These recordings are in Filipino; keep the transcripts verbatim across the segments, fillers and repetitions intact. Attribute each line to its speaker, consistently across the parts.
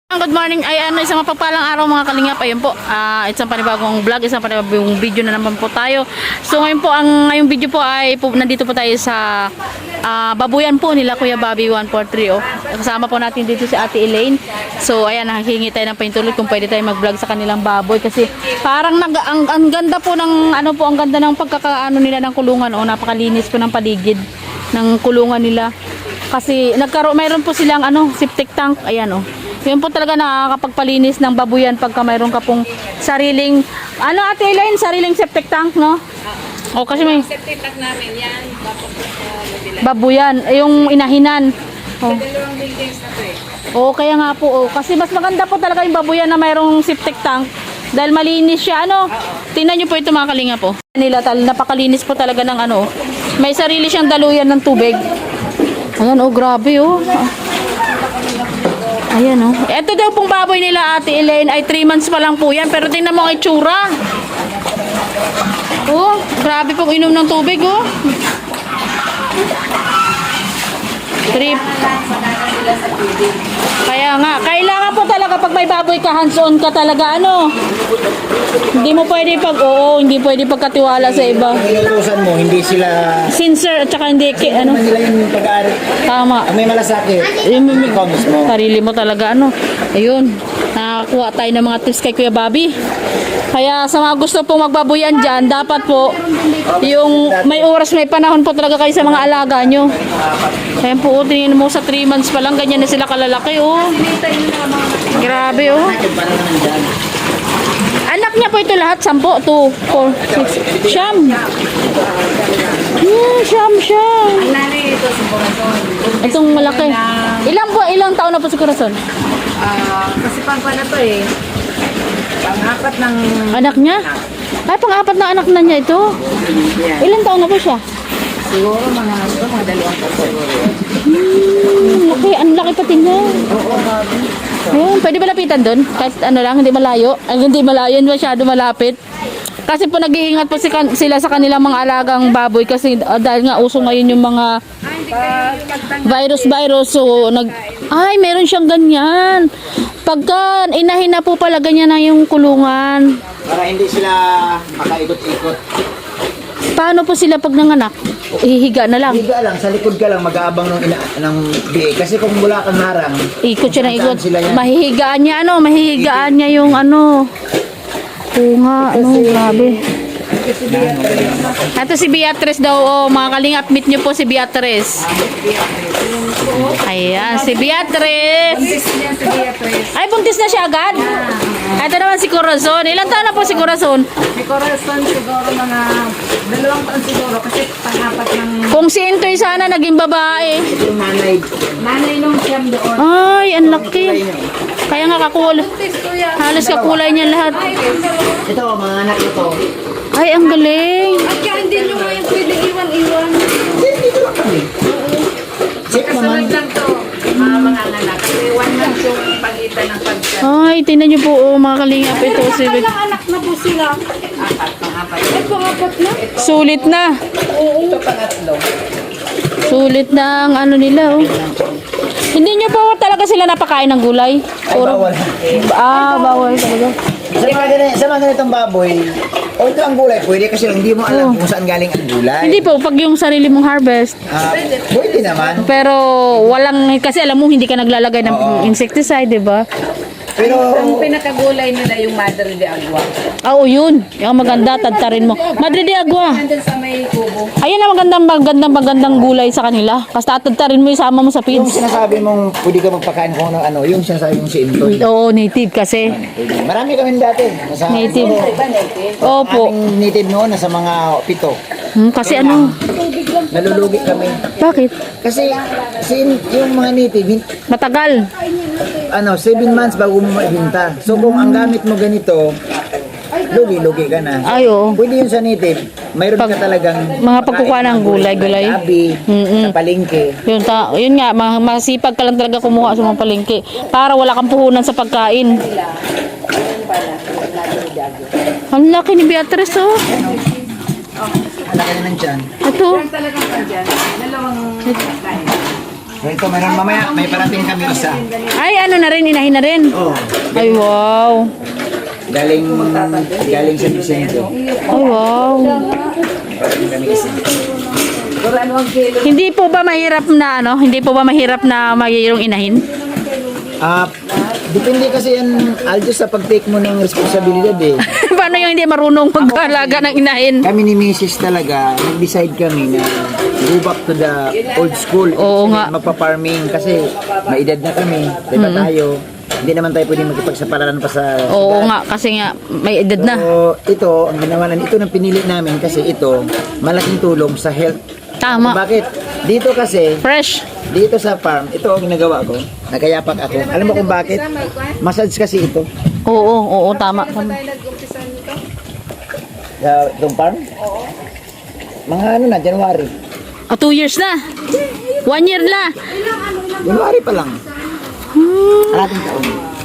Speaker 1: Good morning, ay ano, isang mapagpalang araw mga kalingap. Ayun po, uh, isang panibagong vlog, isang panibagong video na naman po tayo. So ngayon po, ang ngayong video po ay po, nandito po tayo sa uh, babuyan po nila Kuya Bobby one four three. Oh. Kasama po natin dito si Ate Elaine. So ayan, nakahingi tayo ng paintulot kung pwede tayo mag-vlog sa kanilang baboy. Kasi parang nag, ang, ang ganda po ng, ano po, ang ganda ng pagkakaano nila ng kulungan. Oh, napakalinis po ng paligid ng kulungan nila. Kasi nagkaroon, mayroon po silang ano, septic tank. Ayan oh. Yun po talaga nakakapagpalinis ng babuyan pagka mayroon ka pong sariling, ano Ate Elaine, sariling septic tank, no? O kasi may
Speaker 2: septic tank namin yan,
Speaker 1: babuyan, yung inahinan.
Speaker 2: Oh. Sa dalawang buildings na to eh.
Speaker 1: Oo, kaya nga po, oh. Kasi mas maganda po talaga yung babuyan na mayroong septic tank. Dahil malinis siya, ano? Tingnan nyo po ito mga kalinga po. Nila, tal napakalinis po talaga ng ano. May sarili siyang daluyan ng tubig. Ayan, oh, grabe, oh. Ayan oh. Ito daw pong baboy nila Ate Elaine ay three months pa lang po yan. Pero tingnan mo ang itsura. Oh, grabe pong inom ng tubig oh. Trip. Kaya nga, kailangan po talaga pag may baboy ka, hands-on ka talaga ano. Hindi mo pwede pag, oo, hindi pwede pagkatiwala sa iba.
Speaker 3: Inutusan mo, hindi sila
Speaker 1: Sincere at saka hindi, ki, ano.
Speaker 3: nila yung pag-aari.
Speaker 1: Tama.
Speaker 3: Ang may malasakit,
Speaker 1: Yung,
Speaker 3: ikaw mismo.
Speaker 1: sarili mo talaga ano. Ayun, nakakuha tayo ng mga tips kay Kuya Bobby. Kaya sa mga gusto pong magbabuyan dyan, dapat po yung may oras, may panahon po talaga kayo sa mga alaga nyo. Kaya po, tingin mo sa three months pa lang, ganyan na sila kalalaki oh. Grabe oh. Anak niya po ito lahat, sampo, two, four, six, siyam. Hmm, siyam, siyam.
Speaker 2: Ang nanay ito sa Corazon.
Speaker 1: Itong malaki. Ilang po, ilang taon na po si Corazon?
Speaker 2: Ah, kasi pang pa na to eh. Pang-apat ng...
Speaker 1: Anak niya? Ay, pang-apat na anak na niya ito.
Speaker 2: Yan.
Speaker 1: Ilang taon na po siya?
Speaker 2: Siguro mga ito, mga dalawang taon.
Speaker 1: Hmm, laki, ang laki pati niya.
Speaker 2: Oo, babi.
Speaker 1: Ayun, pwede ba lapitan doon? Kahit ano lang, hindi malayo. Ay, hindi malayo, hindi masyado malapit. Kasi po nag-iingat po si kan sila sa kanilang mga alagang baboy kasi uh, dahil nga uso ngayon yung mga virus-virus. So, nag ay, meron siyang ganyan. Pagka inahin na po pala, ganyan na yung kulungan.
Speaker 3: Para hindi sila makaikot-ikot.
Speaker 1: Paano po sila pag nanganak? Hihiga na lang.
Speaker 3: Higa lang, sa likod ka lang, mag-aabang ng, ina ng biig. Kasi kung wala kang harang,
Speaker 1: Ikot siya ng ikot.
Speaker 3: saan sila yan?
Speaker 1: Mahihigaan niya, ano, mahihigaan niya yung ano. Oo nga, ano, grabe. Ito si Beatrice daw, oh, mga kalingap, meet niyo po si Beatrice. Ayan, si Beatrice.
Speaker 2: Buntis niya si Beatrice.
Speaker 1: Ay, buntis na siya agad? Ito naman si Corazon. Ilang taon na po si Corazon?
Speaker 2: Si Corazon siguro mga dalawang taon siguro kasi pang-apat ng
Speaker 1: Kung si Intoy sana naging babae.
Speaker 3: yung nanay,
Speaker 2: nanay nung siyam doon.
Speaker 1: Ay, ang laki. Kaya nga kakul
Speaker 2: Buntis kuya.
Speaker 1: halos kakulay niya lahat.
Speaker 3: ito, mga anak ito.
Speaker 1: Ay, ang galing.
Speaker 2: At kaya hindi nyo ngayon pwede iwan-iwan.
Speaker 3: Dito lang kami. Check naman.
Speaker 2: Kasunod lang to, mga mga anak. Kasi one month yung pagitan ng pagkat.
Speaker 1: Ay, tingnan niyo po, oh, mga kalingap. Ito si
Speaker 2: Ilang anak na po sila? Apat, pang-apat. Eh, pang-apat na?
Speaker 1: Sulit na.
Speaker 2: Oo. Ito pangatlo.
Speaker 1: Sulit na ang ano nila, oh. Hindi niyo po talaga sila napakain ng gulay?
Speaker 3: Ay, bawal.
Speaker 1: Ah, bawal talaga.
Speaker 3: Sa mga, ganit, sa mga ganitong baboy, o ito ang gulay, pwede kasi lang hindi mo alam
Speaker 1: Oh.
Speaker 3: kung saan galing ang gulay.
Speaker 1: Hindi po, pag yung sarili mong harvest.
Speaker 3: Ah, pwede naman.
Speaker 1: Pero walang, kasi alam mo, hindi ka naglalagay ng
Speaker 3: Oo.
Speaker 1: insecticide, di ba?
Speaker 3: Pero,
Speaker 2: Ang pinakagulay nila yung Madre de Agua.
Speaker 1: Ah, Oo, yun. Yung maganda, tadtarin mo. Madre de Agua.
Speaker 2: Nandun sa may kubo.
Speaker 1: Ayun ang magandang, magandang, magandang gulay sa kanila. Kasi tatadtarin mo, isama mo sa
Speaker 3: yung
Speaker 1: feeds.
Speaker 3: sinasabi mong pwede ka magpakain kung ano, ano yung sinasabi mong si Intoy.
Speaker 1: Oo, native kasi.
Speaker 3: Pwede. Marami kami dati. Nasa,
Speaker 1: Native.
Speaker 2: Iba native.
Speaker 1: Opo.
Speaker 3: Aming native noon, nasa mga pito.
Speaker 1: Hmm, kasi ano,
Speaker 3: Nalulugi kami.
Speaker 1: bakit?
Speaker 3: Kasi sin, yung mga native, hin-
Speaker 1: Matagal.
Speaker 3: ano, seven months bago mo maibinta. So kung ang gamit mo ganito, lugi-lugi ka na.
Speaker 1: Ay, oo.
Speaker 3: Pwede yun sa native. Mayroon ka talagang
Speaker 1: mga pagkukuha ng gulay, gulay.
Speaker 3: Gabi,
Speaker 1: Mm-mm.
Speaker 3: sa palengke.
Speaker 1: Yun, ta, yun nga, ma- masipag ka lang talaga kumuha sa mga palengke. Para wala kang puhunan sa pagkain. Ang laki ni Beatrice, oh.
Speaker 3: Alaki na nandyan.
Speaker 1: Ito.
Speaker 2: Yan talagang andyan. Dalawang kain.
Speaker 3: So ito, meron mamaya, may parating kami isa.
Speaker 1: Ay, ano na rin, inahin na rin.
Speaker 3: Oh,
Speaker 1: Ay, wow.
Speaker 3: galing, galing sa Vicente.
Speaker 1: Ay, wow.
Speaker 3: Parating kami isa.
Speaker 1: Hindi po ba mahirap na ano? Hindi po ba mahirap na mayroong inahin?
Speaker 3: Ah, depende kasi yan, Aljo, sa pag-take mo ng responsibilidad eh.
Speaker 1: Paano yung hindi marunong mag-alaga ng inahin?
Speaker 3: Kami ni Missus talaga, nag-decide kami na go back to the old school.
Speaker 1: Oo nga.
Speaker 3: Magpa-farming kasi may edad na kami, diba tayo? Hindi naman tayo pwedeng magkipagsapalaran pa sa...
Speaker 1: Oo nga, kasi nga may edad na.
Speaker 3: So, ito, ang ginawa na, ito nang pinili namin kasi ito, malaking tulong sa health.
Speaker 1: Tama.
Speaker 3: Bakit? Dito kasi,
Speaker 1: Fresh.
Speaker 3: dito sa farm, ito ang ginagawa ko, nakayapak ako. Alam mo kung bakit? Massage kasi ito.
Speaker 1: Oo, oo, tama. tama.
Speaker 3: Sa itong farm? Oo. Mga ano na, January.
Speaker 1: Oh, two years na. One year na.
Speaker 3: January pa lang.
Speaker 1: Hmm.
Speaker 3: Ating taon.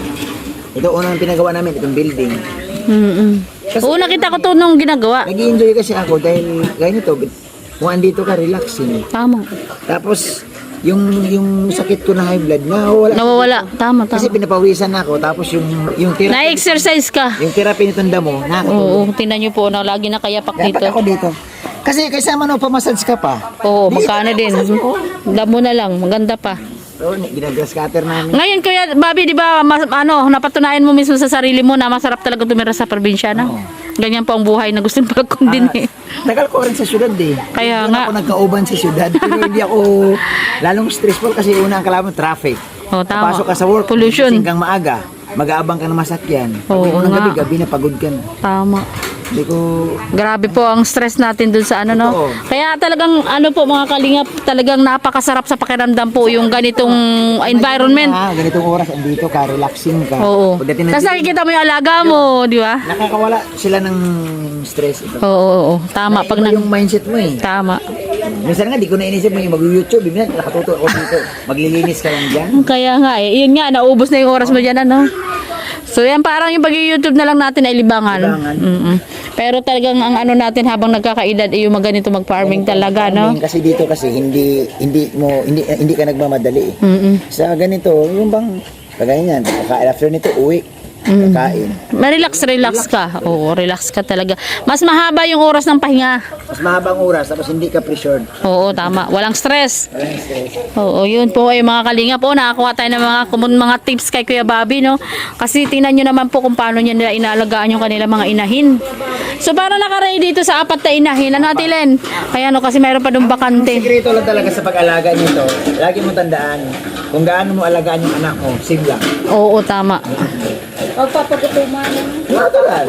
Speaker 3: Ito unang pinagawa namin, itong building.
Speaker 1: Mm-mm. Oo, nakita ko to nung ginagawa.
Speaker 3: Nag-i-enjoy kasi ako dahil ganito, kung andito ka, relaxing.
Speaker 1: Tama.
Speaker 3: Tapos, yung yung sakit ko na high blood, nawawala.
Speaker 1: Nawawala. Tama,
Speaker 3: Kasi
Speaker 1: tama.
Speaker 3: pinapawisan ako, tapos yung yung therapy,
Speaker 1: Na-exercise ka.
Speaker 3: yung therapy nitong damo, nakakatulong.
Speaker 1: Oo, tingnan nyo po na lagi nakayapak
Speaker 3: Dapat
Speaker 1: dito.
Speaker 3: ako dito. Kasi kaysa man pa-massage ka pa.
Speaker 1: Oo, magkano din. Damo na lang, maganda pa.
Speaker 3: So, ginagrass cutter namin.
Speaker 1: Ngayon, Kuya Bobby, di ba, mas, ano, napatunayan mo mismo sa sarili mo na masarap talaga tumira sa probinsya, no? Ganyan po ang buhay na gusto pag din eh.
Speaker 3: Tagal ko rin sa syudad eh.
Speaker 1: Kaya
Speaker 3: Doon
Speaker 1: nga.
Speaker 3: ako nagkauban sa syudad. Pero hindi ako lalong stressful kasi una ang kalaban traffic.
Speaker 1: Oh, tama.
Speaker 3: Papasok ka sa work,
Speaker 1: Pollution.
Speaker 3: gising kang maaga, mag-aabang ka ng masakyan. Pag
Speaker 1: Oo
Speaker 3: uwi mo ng
Speaker 1: nga.
Speaker 3: gabi, gabi na pagod ka na.
Speaker 1: Tama.
Speaker 3: Hindi ko...
Speaker 1: Grabe po ang stress natin dun sa ano, no?
Speaker 3: Oo.
Speaker 1: Kaya talagang, ano po mga kalingap, talagang napakasarap sa pakiramdam po yung ganitong environment.
Speaker 3: Ah, ganitong oras, andito ka, relaxing ka.
Speaker 1: Oo.
Speaker 3: Pagdating ng
Speaker 1: Tapos nakikita mo yung alaga mo, di ba?
Speaker 3: nakakawala sila ng stress. Ito.
Speaker 1: Oo, oo, oo. Tama. Pag
Speaker 3: Naiba
Speaker 1: na,
Speaker 3: yung mindset mo eh.
Speaker 1: tama.
Speaker 3: Minsan nga, di ko na inisip mo yung mag-YouTube. Bibigyan, nakatuto ako dito. Maglilinis ka lang dyan.
Speaker 1: Kaya nga eh. Yun nga, naubos na yung oras mo dyan, ano? So yan, parang yung pag-YouTube na lang natin ay libangan.
Speaker 3: Libangan.
Speaker 1: Mm-mm. Pero talagang ang ano natin habang nagkakaedad ay yung mga ganito mag-farming talaga, no?
Speaker 3: Farming, kasi dito kasi hindi hindi mo hindi hindi ka nagmamadali eh.
Speaker 1: Mm-mm.
Speaker 3: Sa ganito, yung bang kagaya niyan, kakain after nito uwi, kakain.
Speaker 1: Ma-relax, relax ka. Oo, relax ka talaga. Mas mahaba yung oras ng pahinga.
Speaker 3: Mas mahabang oras tapos hindi ka pressured.
Speaker 1: Oo, tama. Walang stress.
Speaker 3: Walang stress.
Speaker 1: Oo, yun po ay mga kalingap. Po, nakakuha tayo ng mga, kumun- mga tips kay Kuya Bobby, no? Kasi tingnan nyo naman po kung paano niya nila inalagaan yung kanila mga inahin. So, para nakaray dito sa apat na inahin. Ano, Ate Len? Kaya no, kasi mayroon pa doon bakante.
Speaker 3: Sikreto lang talaga sa pag-alaga nito. Lagi mo tandaan kung gaano mo alagaan yung anak mo, same lang.
Speaker 1: Oo, tama.
Speaker 2: Magpapagutuman.
Speaker 3: Natural.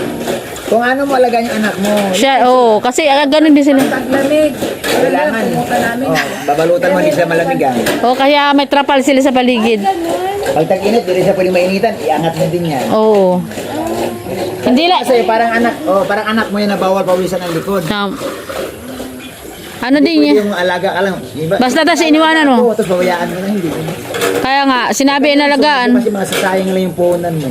Speaker 3: Kung ano mo alagaan yung anak mo,
Speaker 1: Siya, oo. Kasi ah, ganun din sila.
Speaker 2: Paglamig.
Speaker 3: kailangan.
Speaker 2: Pumunta namin.
Speaker 3: Oh, babalutan mo, hindi sila malamigan.
Speaker 1: Oo, kaya may trapal sila sa paligid.
Speaker 3: Pag tag-init, hindi siya pwede mainitan, iangat mo din yan.
Speaker 1: Oo. Hindi lang.
Speaker 3: Kasi parang anak, oh, parang anak mo yan na bawal pawisan ng likod.
Speaker 1: Um, ano din
Speaker 3: Pwede
Speaker 1: niya?
Speaker 3: yung alaga ka lang. Iba,
Speaker 1: Basta tas iniwanan mo.
Speaker 3: Oo, tapos babayaan mo na hindi.
Speaker 1: Kaya nga, sinabi inalagaan.
Speaker 3: Kasi masasayang lang yung puhunan mo.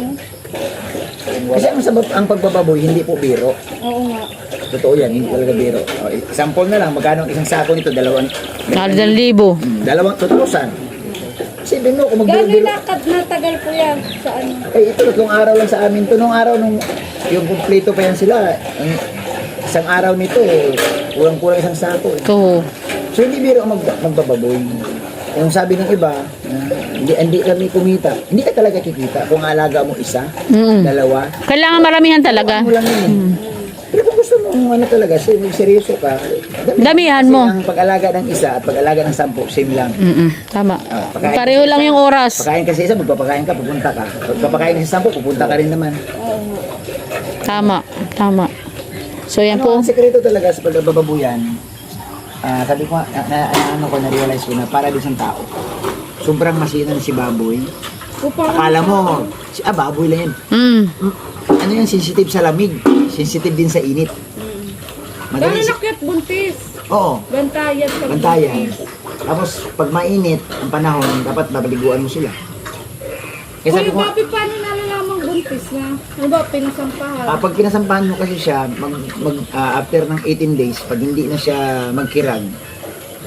Speaker 3: Kasi ang, sabab, ang pagbababoy, hindi po biro.
Speaker 2: Oo nga.
Speaker 3: Totoo yan, hindi talaga biro. O, example na lang, magkano ang isang sako nito? Dalawang,
Speaker 1: Dalawang libo.
Speaker 3: Hmm, dalawang, two thousand. Isipin mo, kung
Speaker 2: Gano'y
Speaker 3: magbiro-biro.
Speaker 2: nakad natagal po yan sa ano?
Speaker 3: Eh, ito, tatlong araw lang sa amin. Ito, nung araw, nung yung kumpleto pa yan sila, ang isang araw nito, kulang-kulang isang sako. Eh.
Speaker 1: Oo.
Speaker 3: So, hindi biro ang mag, magbababoy. Yung sabi ng iba, na hindi, hindi kami kumita. Hindi ka talaga kikita kung alaga mo isa,
Speaker 1: Mm.
Speaker 3: dalawa.
Speaker 1: Kailangan maramihan talaga.
Speaker 3: Mo lang yun. eh. Pero kung gusto mo, ano talaga, ser- seryoso ka,
Speaker 1: Damihan
Speaker 3: kasi
Speaker 1: mo.
Speaker 3: ang pag-alaga ng isa at pag-alaga ng sampu, same lang.
Speaker 1: Mm-mm. Tama.
Speaker 3: Ah, pagkain-
Speaker 1: Pareho lang yung oras.
Speaker 3: Pagkain kasi isa, magpapakain ka, pupunta ka. Pagpapakain ng sampu, pupunta ka rin naman.
Speaker 1: Tama. Tama. So yan
Speaker 3: Ano
Speaker 1: po.
Speaker 3: ang sekreto talaga sa pagbababuyan? Ah, sabi ko, na, na, ano ko, na-realize ko na para din sa tao. Sobrang masinan si baboy. Akala mo, si, ah, baboy lang yan.
Speaker 1: Mm.
Speaker 3: Mm, Ano yan, sensitive sa lamig. Sensitive din sa init.
Speaker 2: Gano'y
Speaker 3: Magaling si...
Speaker 2: nakyat buntis?
Speaker 3: Oo,
Speaker 2: Bantayan sa
Speaker 3: bantayan. Tapos, pag mainit ang panahon, dapat babaliguan mo sila. Kaya sabi
Speaker 2: Kuya
Speaker 3: ko,
Speaker 2: Bobby, paano nalalamang buntis na? Ano ba, pinasampahan?
Speaker 3: ah, pag pinasampahan mo kasi siya, mag, mag, ah, after ng eighteen days, pag hindi na siya magkirag,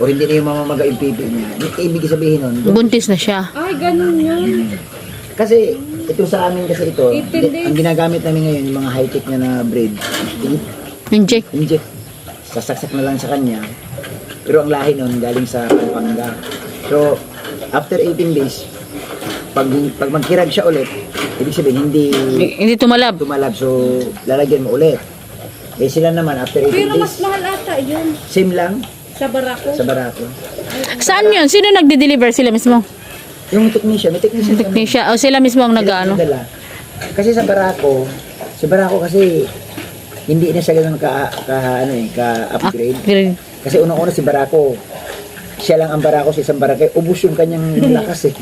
Speaker 3: o hindi na yung mamamaga yung pipi niya, ibig sabihin nun,
Speaker 1: Buntis na siya.
Speaker 2: Ay, ganun yun.
Speaker 3: kasi ito sa amin kasi ito,
Speaker 2: eighteen
Speaker 3: di- ang ginagamit namin ngayon, yung mga high-tech na na breed, in-
Speaker 1: Inject.
Speaker 3: inject, sasaksak na lang sa kanya, pero ang lahi nun galing sa Pampanga. So, after eighteen days, pag, pag magkirag siya ulit, ibig sabihin hindi
Speaker 1: Hindi tumalab.
Speaker 3: tumalab, so lalagyan mo ulit. Eh sila naman, after eighteen
Speaker 2: Pero mas
Speaker 3: days,
Speaker 2: mahal ata yun.
Speaker 3: same lang
Speaker 2: Sa barako.
Speaker 3: sa barako.
Speaker 1: Saan yun? Sino nagde-deliver? Sila mismo?
Speaker 3: Yung technician, may technician kami.
Speaker 1: Technician. O sila mismo ang nag-ano?
Speaker 3: Dala. Kasi sa barako, sa barako kasi hindi na siya ganun ka, ka ano eh, ka-upgrade.
Speaker 1: Green.
Speaker 3: Kasi unang-una si barako, siya lang ang barako sa isang barangay, ubus yung kanyang lakas eh.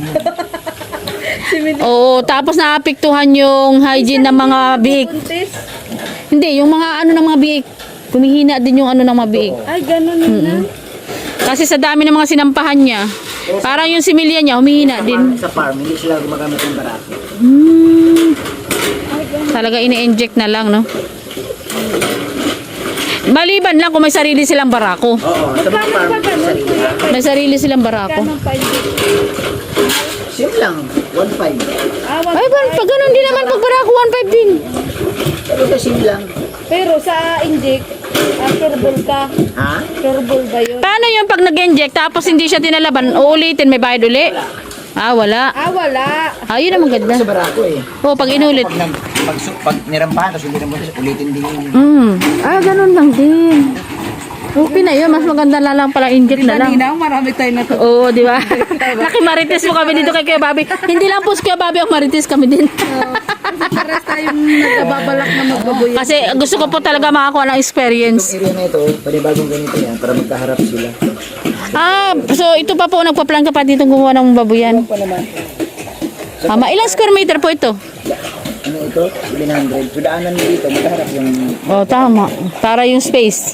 Speaker 1: Oo, tapos naapektuhan yung hygiene ng mga biik.
Speaker 2: Buntis.
Speaker 1: Hindi, yung mga ano ng mga biik. Kumihina din yung ano ng mga biik.
Speaker 2: Ay, ganun yun na.
Speaker 1: Kasi sa dami ng mga sinampahan niya, parang yung similya niya, humihina din.
Speaker 3: Sa farm, hindi sila gumagamit ng barako.
Speaker 1: Hmm. Talaga ini-inject na lang, no? Maliban lang kung may sarili silang barako.
Speaker 3: Oo, sa mga farm,
Speaker 2: pa ganun,
Speaker 3: sarili.
Speaker 2: kuya?
Speaker 1: May sarili silang barako.
Speaker 2: Ganun pa yun.
Speaker 3: Same lang, one five.
Speaker 2: Ah, wag-
Speaker 1: Ay, ba, pag ganun din naman pag barako, one five din.
Speaker 3: Pero sa same lang.
Speaker 2: Pero sa inject, ah, sureball ka.
Speaker 3: Ha?
Speaker 2: Sureball ba yun?
Speaker 1: Paano yung pag nag-inject tapos hindi siya tinalaban, uulitin, may bayad uli? Ah, wala.
Speaker 2: Ah, wala.
Speaker 1: Ah, yun ang maganda.
Speaker 3: Sa barako eh.
Speaker 1: Oo, pag inulit.
Speaker 3: Pag, nag, pag, su- pag nirampahan, tapos hindi na mo, ulitin din yun.
Speaker 1: Hmm. Ah, ganun lang din. Okay na yun. Mas maganda na lang pala inject na lang.
Speaker 2: Kanina, marami tayo na
Speaker 1: Oo, di ba? Nakimarites mo kami dito kay Kuya Bobby. Hindi lang po si Kuya Bobby ang marites kami din.
Speaker 2: Pares tayong nagbabalak na magbaboy.
Speaker 1: Kasi gusto ko po talaga makakuha ng experience.
Speaker 3: Itong area na ito, panibagong ganito yan, para magkaharap sila.
Speaker 1: Ah, so ito pa po, nagpa-plan ka pa dito gumawa ng babuyan.
Speaker 3: Ano pa naman?
Speaker 1: Ah, ma- ilang square meter po ito?
Speaker 3: Ano ito? seven hundred. So daanan mo dito, magkaharap yung...
Speaker 1: Oh, tama. Para yung space.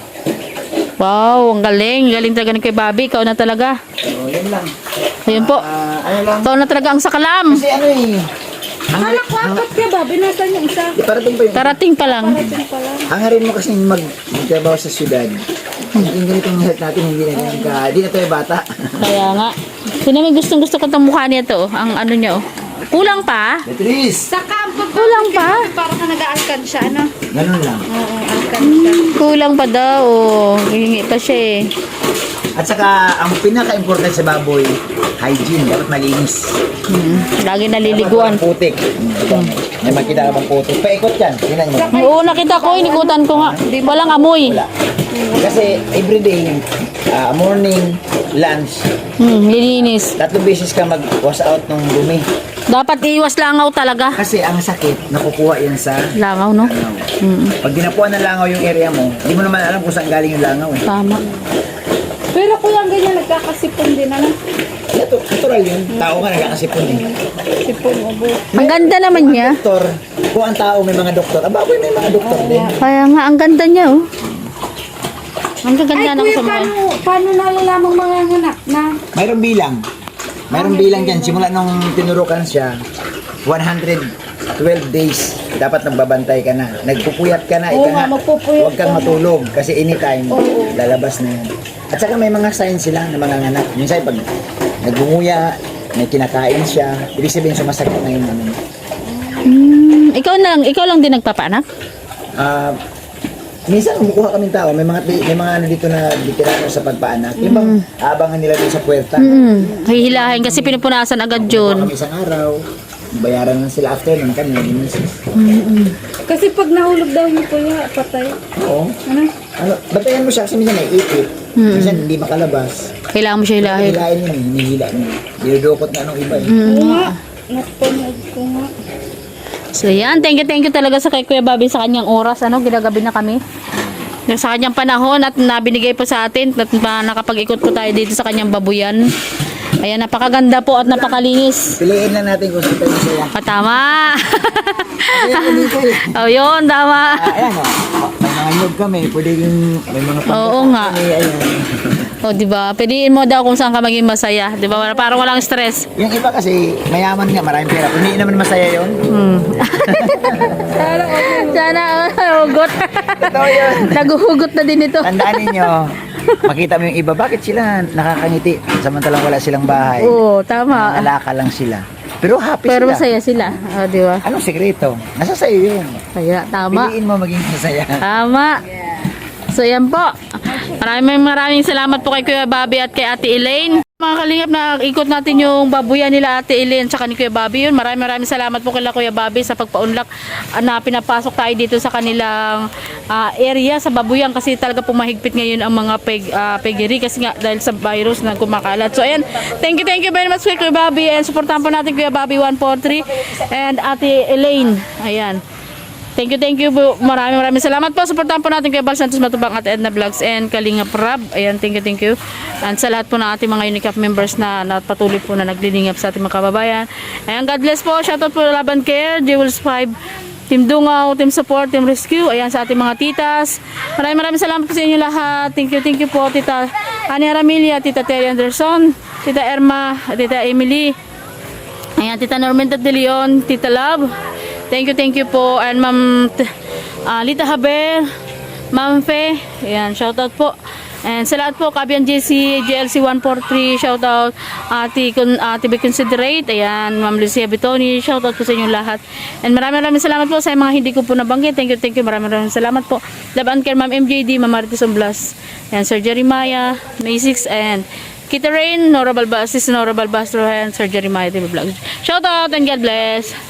Speaker 1: Wow, ang galing. Galing talaga ni Kuya Bobby. Ikaw na talaga.
Speaker 3: Oh, yun lang.
Speaker 1: Ayun po.
Speaker 3: Ah, ano lang.
Speaker 1: Ikaw na talaga ang sakalam.
Speaker 3: Kasi ano eh,
Speaker 2: Kala ko apat ka ba? Binasan yung isa.
Speaker 3: di parating pa yun.
Speaker 1: Darating pa lang.
Speaker 2: Parating pa lang.
Speaker 3: Hangarin mo kasi mag magtrabaho sa syudad. Yung ganitong health natin, hindi na ganyan ka, hindi na tayo bata.
Speaker 1: Kaya nga. Sino may gustong gusto ko itong mukha niya to? Ang ano niya oh. Kulang pa?
Speaker 3: Beatrice!
Speaker 2: Saka ang
Speaker 1: Kulang pa?
Speaker 2: para ka nag-aalkan siya, ano?
Speaker 3: Ganun lang.
Speaker 2: Oo, alkan siya.
Speaker 1: Kulang pa daw. Oh. Hihingi pa siya eh.
Speaker 3: At saka, ang pinaka-important sa baboy, hygiene. Dapat malinis.
Speaker 1: Hmm. Lagi naliliguan.
Speaker 3: Dapat walang putik. Hmm. May makita ka bang putik? Paikot yan. Tingnan mo.
Speaker 1: Oo, nakita ko. Inikutan ko nga. Walang amoy.
Speaker 3: Wala. Kasi everyday, ah, morning, lunch,
Speaker 1: Hmm, lilinis.
Speaker 3: tatlong beses ka mag-wash out ng dumi.
Speaker 1: Dapat iwas langaw talaga.
Speaker 3: Kasi ang sakit, nakukuha yan sa
Speaker 1: Langaw, no?
Speaker 3: langaw.
Speaker 1: Hmm,
Speaker 3: Pag dinapuan ng langaw yung area mo, hindi mo naman alam kung saan galing yung langaw eh.
Speaker 1: tama.
Speaker 2: Pero kuya, ang ganyan, nagkakasipon din, ano?
Speaker 3: Ito, natural yun. Tao ka nagkakasipon eh.
Speaker 2: Sipon, ubo.
Speaker 1: Ang ganda naman niya.
Speaker 3: Doktor, kung ang tao may mga doktor, ang baboy may mga doktor din.
Speaker 1: Kaya nga, ang ganda niya, oh. Ang
Speaker 2: Ay,
Speaker 1: gaganda ng
Speaker 2: kuya,
Speaker 1: sa mga.
Speaker 2: paano, paano nalalamang mga anak na?
Speaker 3: Mayroong bilang. Mayroong bilang dyan. Simula nung tinurukan siya, one hundred twelve days, dapat nagbabantay ka na. Nagpupuyat ka na.
Speaker 2: Oo
Speaker 3: ika
Speaker 2: nga,
Speaker 3: nga,
Speaker 2: magpupuyat
Speaker 3: Huwag kang
Speaker 2: ka na.
Speaker 3: matulog kasi anytime,
Speaker 2: Oo.
Speaker 3: lalabas na yan. At saka may mga signs sila na mga anak. Minsan pag nagbunguya, may kinakain siya, ibig sabihin sumasakit na yung ano.
Speaker 1: Hmm, ikaw lang, ikaw lang din nagpapaanak?
Speaker 3: Ah, minsan kumukuha kaming tao, may mga may mga ano dito na veterano sa pagpaanak. Yung bang abangan nila dun sa puwerta.
Speaker 1: Hmm, hihilahin kasi pinupunasan agad
Speaker 3: Kumukuha
Speaker 1: yun.
Speaker 3: kami isang araw, bayaran lang sila after nun kami nag-misis.
Speaker 2: Kasi pag nahulog daw yung kuya, patay.
Speaker 3: Oo.
Speaker 2: Ano?
Speaker 3: Ano, batayan mo siya kasi minsan may ipit. Minsan hindi makalabas.
Speaker 1: Kailangan mo siya hilahin.
Speaker 3: Hilahin niya, eh, hinihila niya. Dinudukot na nung iba eh.
Speaker 2: Oo nga. Napanood ko nga.
Speaker 1: So yan, thank you, thank you talaga sa kay Kuya Bobby sa kanyang oras. Ano, ginagabi na kami. Sa kanyang panahon at nabinigay po sa atin at pa- nakapag-ikot po tayo dito sa kanyang babuyan. Ayan, napakaganda po at napakalinis.
Speaker 3: Piliin lang natin kung saan tayo masaya.
Speaker 1: Ah, tama.
Speaker 3: Ayan, dito eh.
Speaker 1: Oh, yun, tama.
Speaker 3: Ah, ayan o. May mga nyug kami. Pwede yung may mga
Speaker 1: Oo nga.
Speaker 3: kami. Ayan.
Speaker 1: O, di ba? Piliin mo daw kung saan ka maging masaya. Di ba? Parang walang stress.
Speaker 3: Yung iba kasi mayaman nga, maraming pera. Kung hindi naman masaya yun.
Speaker 1: Hmm. Sana, uh, hugot.
Speaker 3: Totoo yun.
Speaker 1: Naguhugot na din ito.
Speaker 3: Tandaan ninyo, makita mo yung iba, bakit sila nakakangiti samantalang wala silang bahay?
Speaker 1: Oo, tama.
Speaker 3: Nalaka lang sila. Pero happy
Speaker 1: Pero
Speaker 3: sila.
Speaker 1: masaya sila. O, di ba?
Speaker 3: Anong sekreto? Nasa sa'yo yun.
Speaker 1: Kaya, tama.
Speaker 3: Piliin mo maging masaya.
Speaker 1: Tama. So, yan po. Maraming maraming salamat po kay Kuya Bobby at kay Ate Elaine. Mga kalingap, na ikot natin yung babuyan nila Ate Elaine at ni Kuya Bobby yun. Maraming maraming salamat po kila Kuya Bobby sa pagpaunlak ah, na pinapasok tayo dito sa kanilang ah, area sa babuyan kasi talaga pumahigpit ngayon ang mga peg, ah, peggery kasi nga dahil sa virus na kumakalat. So ayan, thank you, thank you very much kay Kuya Bobby and supportahan po natin Kuya Bobby one four three and Ate Elaine. Ayan. Thank you, thank you po. Maraming maraming salamat po. Supportahan po natin kay Bal Santos Matubang at Edna Vlogs and Kalingap Rab. Ayan, thank you, thank you. And sa lahat po ng ating mga Unicap members na, na patuloy po na naglilingap sa ating mga kababayan. Ayan, God bless po. Shoutout po Laban Care, Jewels five, Team Dungaw, Team Support, Team Rescue. Ayan, sa ating mga titas. Maraming maraming salamat po sa inyo lahat. Thank you, thank you po. Tita Ani Aramilia, Tita Terry Anderson, Tita Erma, Tita Emily. Ayan, Tita Norminda De Leon, Tita Love. Thank you, thank you po. And Ma'am uh, Lita Haber, Ma'am Fe. Ayan, shoutout po. And sa lahat po, Kabian J C, J L C one four three, shoutout. Ate, kun, ate Be Considerate. Ayan, Ma'am Lucia Bitoni, shoutout po sa inyo lahat. And maraming maraming salamat po sa mga hindi ko po nabanggit. Thank you, thank you. Maraming maraming salamat po. Laban Care, Ma'am M J D, Ma'am Marites Oblas. Ayan, Sir Jeremiah, May six, and Kita Rain, Nora Balbas, Sis Nora Balbastro, and Sir Jeremiah T V Vlogs. Shoutout and God bless.